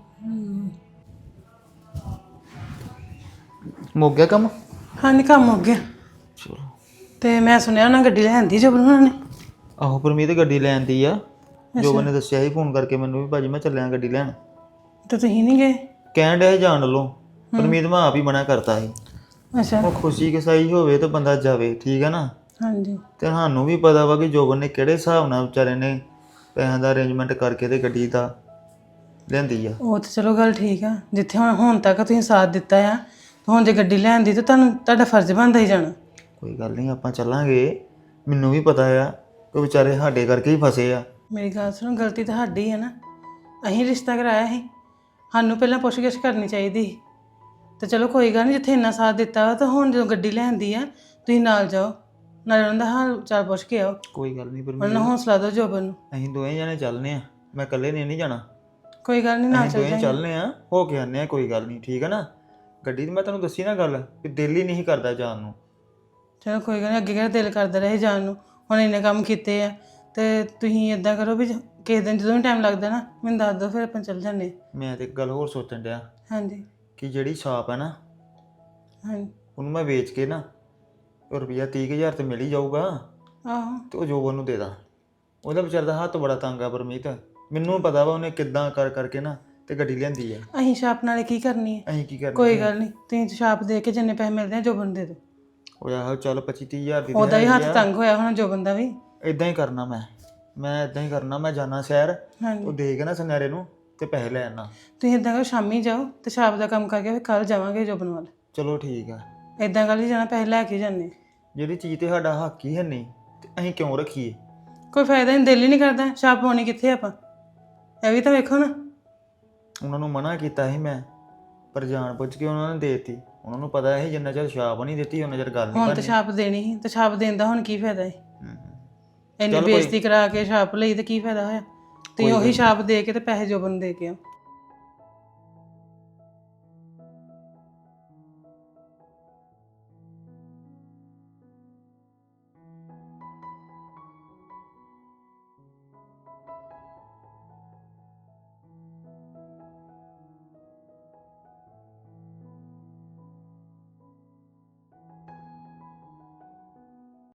Speaker 10: ਮੁੱਕ ਗਿਆ ਕੰਮ?
Speaker 11: ਹਾਂਜੀ ਕੰਮ ਹੋ ਗਿਆ।
Speaker 10: ਚਲੋ।
Speaker 11: ਤੇ ਮੈਂ ਸੁਣਿਆ ਉਹਨਾਂ ਗੱਡੀ ਲੈਂਦੀ ਜਬਨ ਉਹਨਾਂ ਨੇ।
Speaker 10: ਆਹੋ ਪਰਮੀਤ ਗੱਡੀ ਲੈਣ ਦੀ ਆ। ਜੋਬਨ ਨੇ ਦੱਸਿਆ ਸੀ ਫੋਨ ਕਰਕੇ ਮੈਨੂੰ ਵੀ ਭਾਜੀ ਮੈਂ ਚੱਲਿਆ ਗੱਡੀ ਲੈਣ।
Speaker 11: ਤੇ ਤੁਸੀਂ ਨਹੀਂ ਗਏ?
Speaker 10: ਕਹਿਣ ਡਿਆ ਸੀ ਜਾਣ ਵੱਲੋਂ, ਪਰਮੀਤ ਮੈਂ ਆਪ ਹੀ ਮਨਾ ਕਰਤਾ ਸੀ।
Speaker 11: ਅੱਛਾ।
Speaker 10: ਉਹ ਖੁਸ਼ੀ ਕਿਸਾਈ ਹੋਵੇ ਤਾਂ ਬੰਦਾ ਜਾਵੇ, ਠੀਕ ਹੈ ਨਾ।
Speaker 11: ਹਾਂਜੀ।
Speaker 10: ਤੇ ਸਾਨੂੰ ਵੀ ਪਤਾ ਵਾ ਕਿ ਜੋਬਨ ਨੇ ਕਿਹੜੇ ਹਿਸਾਬ ਨਾਲ ਵਿਚਾਰੇ ਨੇ ਪੈਸਿਆਂ ਦਾ ਅਰੇਂਜਮੈਂਟ ਕਰਕੇ ਤੇ ਗੱਡੀ ਦਾ ਲੈਂਦੀ ਆ।
Speaker 11: ਉਹ ਤਾਂ ਚਲੋ ਗੱਲ ਠੀਕ ਆ, ਜਿੱਥੇ ਹੁਣ ਤੱਕ ਤੁਸੀਂ ਸਾਥ ਦਿੱਤਾ ਆ, ਹੁਣ ਜੇ ਗੱਡੀ ਲੈਣ ਦੀ ਤਾਂ ਤੁਹਾਡਾ ਫਰਜ਼ ਬਣਦਾ ਹੀ ਜਾਣਾ।
Speaker 10: ਕੋਈ ਗੱਲ ਨਹੀਂ, ਆਪਾਂ ਚੱਲਾਂਗੇ। ਮੈਨੂੰ ਵੀ ਪਤਾ ਆ ਕਿ ਵਿਚਾਰੇ ਸਾਡੇ ਕਰਕੇ ਹੀ ਫਸੇ ਆ।
Speaker 11: ਮੇਰੀ ਗੱਲ ਸੁਣੋ, ਗਲਤੀ ਤਾਂ ਸਾਡੀ ਹੈ ਨਾ। ਅਸੀਂ ਰਿਸ਼ਤਾ ਕਰਾਇਆ ਸੀ, ਸਾਨੂੰ ਪਹਿਲਾਂ ਪੁੱਛ-ਗਿੱਛ ਕਰਨੀ ਚਾਹੀਦੀ ਸੀ। ਤੇ ਚਲੋ ਕੋਈ ਗੱਲ ਨਹੀਂ, ਜਿੱਥੇ ਇੰਨਾ ਸਾਥ ਦਿੱਤਾ ਵਾ ਤਾਂ ਹੁਣ ਜਦੋਂ ਗੱਡੀ ਲੈਂਦੀ ਆ ਤੁਸੀਂ ਨਾਲ ਜਾਓ, ਨਾਲ ਉਹਨਾਂ ਦਾ ਹਾਲ ਚਾਲ ਪੁੱਛ ਕੇ ਆਓ।
Speaker 10: ਕੋਈ ਗੱਲ ਨਹੀਂ
Speaker 11: ਉਹਨਾਂ ਨੂੰ ਹੌਸਲਾ ਦਿਓ ਜੋਬਨ ਨੂੰ।
Speaker 10: ਅਸੀਂ ਦੋਵੇਂ ਜਣੇ ਚੱਲਨੇ ਆ, ਮੈਂ ਇਕੱਲੇ ਨੇ ਨਹੀਂ ਜਾਣਾ।
Speaker 11: ਕੋਈ ਗੱਲ ਨਹੀਂ, ਨਾਲ
Speaker 10: ਅਸੀਂ
Speaker 11: ਚੱਲ
Speaker 10: ਦੋਵੇਂ
Speaker 11: ਜਾਈਂ।
Speaker 10: ਚੱਲਨੇ ਆ, ਹੋ ਕੇ ਆਨੇ ਆ, ਕੋਈ ਗੱਲ ਨਹੀਂ, ਠੀਕ ਹੈ ਨਾ। ਗੱਡੀ ਦੀ ਮੈਂ ਤੁਹਾਨੂੰ ਦੱਸੀ ਨਾ ਗੱਲ ਕਿ ਦਿਲ ਹੀ ਨਹੀਂ ਕਰਦਾ ਜਾਣ ਨੂੰ।
Speaker 11: ਚਲੋ ਕੋਈ ਗੱਲ ਨਹੀਂ, ਅੱਗੇ ਕਿਹੜਾ ਦਿਲ ਕਰਦਾ ਰਹੇ ਜਾਣ ਨੂੰ। ਹੁਣ ਇੰਨੇ ਕੰਮ ਕੀਤੇ ਆ ਤੇ ਤੁਸੀਂ ਇਦਾਂ ਕਰੋ ਵੀ ਕਿਸੇ ਦਿਨ ਜਦੋਂ ਵੀ ਟਾਈਮ ਲੱਗਦਾ ਨਾ ਮੈਨੂੰ ਦੱਸ ਦਿਓ, ਫਿਰ ਆਪਾਂ ਚੱਲ ਜਾਂਦੇ।
Speaker 10: ਮੈਂ ਤੇ ਇੱਕ ਗੱਲ ਹੋਰ ਸੋਚਣ ਡਿਆ
Speaker 11: ਹਾਂਜੀ।
Speaker 10: ਕਿ ਜਿਹੜੀ ਸ਼ਾਪ ਹੈ ਨਾ,
Speaker 11: ਹਾਂਜੀ।
Speaker 10: ਉਹਨੂੰ ਮੈਂ ਵੇਚ ਕੇ ਨਾ ਰੁਪਈਆ 30,000 ਤੇ ਮਿਲ ਹੀ ਜਾਊਗਾ।
Speaker 11: ਆਹੋ।
Speaker 10: ਤੇ ਉਹ ਜੋਬਨ ਨੂੰ ਦੇ ਦਾਂ। ਉਹਦਾ ਵਿਚਾਰ ਦਾ ਹੱਥ ਬੜਾ ਤੰਗ ਆ ਪਰਮੀਤ, ਮੈਨੂੰ ਪਤਾ ਵਾ ਉਹਨੇ ਕਿੱਦਾਂ ਕਰਕੇ ਨਾ ਤੇ ਗੱਡੀ ਲਿਆਂਦੀ ਆ।
Speaker 11: ਅਸੀਂ ਛਾਪ ਨਾਲੇ ਕੀ ਕਰਨੀ ਹੈ?
Speaker 10: ਅਸੀਂ ਕੀ ਕਰਨਾ?
Speaker 11: ਕੋਈ ਗੱਲ ਨਹੀਂ, ਤੁਸੀਂ ਛਾਪ ਦੇ ਕੇ ਜਿੰਨੇ ਪੈਸੇ ਮਿਲਦੇ ਆ ਜੋਬਨ ਦੇ ਦਿਓ।
Speaker 10: ਉਹ ਆਹੋ ਚੱਲ 25-30,000 ਦੀ
Speaker 11: ਉਹਦਾ ਹੀ ਹੱਥ ਤੰਗ ਹੋਇਆ ਹੁਣ ਜੋਬਨ ਦਾ ਵੀ।
Speaker 10: ਇਦਾਂ ਹੀ ਕਰਨਾ ਮੈਂ ਇਦਾਂ ਹੀ ਕਰਨਾ। ਮੈਂ ਜਾਣਾ ਸ਼ਹਿਰ,
Speaker 11: ਹਾਂਜੀ।
Speaker 10: ਉਹ ਦੇ ਕੇ ਨਾ ਸੁਨਿਆਰੇ ਨੂੰ ਤੇ ਪੈਸੇ ਲੈ ਆਣਾ।
Speaker 11: ਤੁਸੀਂ ਇਦਾਂ ਕਰੋ, ਸ਼ਾਮੀ ਜਾਓ ਤੇ ਛਾਪ ਦਾ ਕੰਮ ਕਰਕੇ ਫਿਰ ਕੱਲ ਜਾਵਾਂਗੇ ਜੋਬਨ ਵੱਲ।
Speaker 10: ਚਲੋ ਠੀਕ ਆ।
Speaker 11: ਇਦਾਂ ਗੱਲ ਹੀ ਜਾਣਾ, ਪੈਸੇ ਲੈ ਕੇ ਜਾਂਦੇ।
Speaker 10: ਜਿਹੜੀ ਚੀਜ਼ ਤੇ ਸਾਡਾ ਹੱਕ ਹੀ ਹੈ ਨਹੀਂ ਤੇ ਅਸੀਂ ਕਿਉਂ ਰੱਖੀਏ?
Speaker 11: ਕੋਈ ਫਾਇਦਾ ਨਹੀਂ, ਦਿਲ ਹੀ ਨਹੀਂ ਕਰਦਾ। ਛਾਪ ਪਾਉਣੀ ਕਿੱਥੇ ਆਪਾਂ, ਇਹ ਵੀ ਤਾਂ ਵੇਖੋ ਨਾ।
Speaker 10: ਉਹਨਾਂ ਨੂੰ ਮਨਾ ਕੀਤਾ ਸੀ ਮੈਂ, ਪਰ ਜਾਣ ਬੁੱਝ ਕੇ ਉਹਨਾਂ ਨੇ ਦੇਤੀ। ਉਹਨਾਂ ਨੂੰ ਪਤਾ ਹੈ ਜਿੰਨਾ ਚਿਰ ਛਾਪ ਨਹੀਂ ਦਿੱਤੀ ਉਹਨਾਂ ਚਿਰ ਗੱਲ ਨਹੀਂ
Speaker 11: ਹੁਣ
Speaker 10: ਕਰਨੀ।
Speaker 11: ਤੇ ਛਾਪ ਦੇਣੀ ਸੀ ਤੇ ਛਾਪ ਦੇਣ ਦਾ ਹੁਣ ਕੀ ਫਾਇਦਾ ਹੈ?
Speaker 10: ਹੂੰ।
Speaker 11: ਇੰਨੀ
Speaker 10: ਚੱਲ ਕੋਈ-
Speaker 11: ਬੇਇੱਜ਼ਤੀ ਕਰਾ ਕੇ ਛਾਪ ਲਈ ਤੇ ਕੀ ਫਾਇਦਾ ਹੋਇਆ? ਤੁਸੀਂ ਉਹੀ ਛਾਪ ਦੇ ਕੇ ਤੇ ਪੈਸੇ ਜੋਬਨ ਨੂੰ ਦੇ ਕੇ ਆਓ।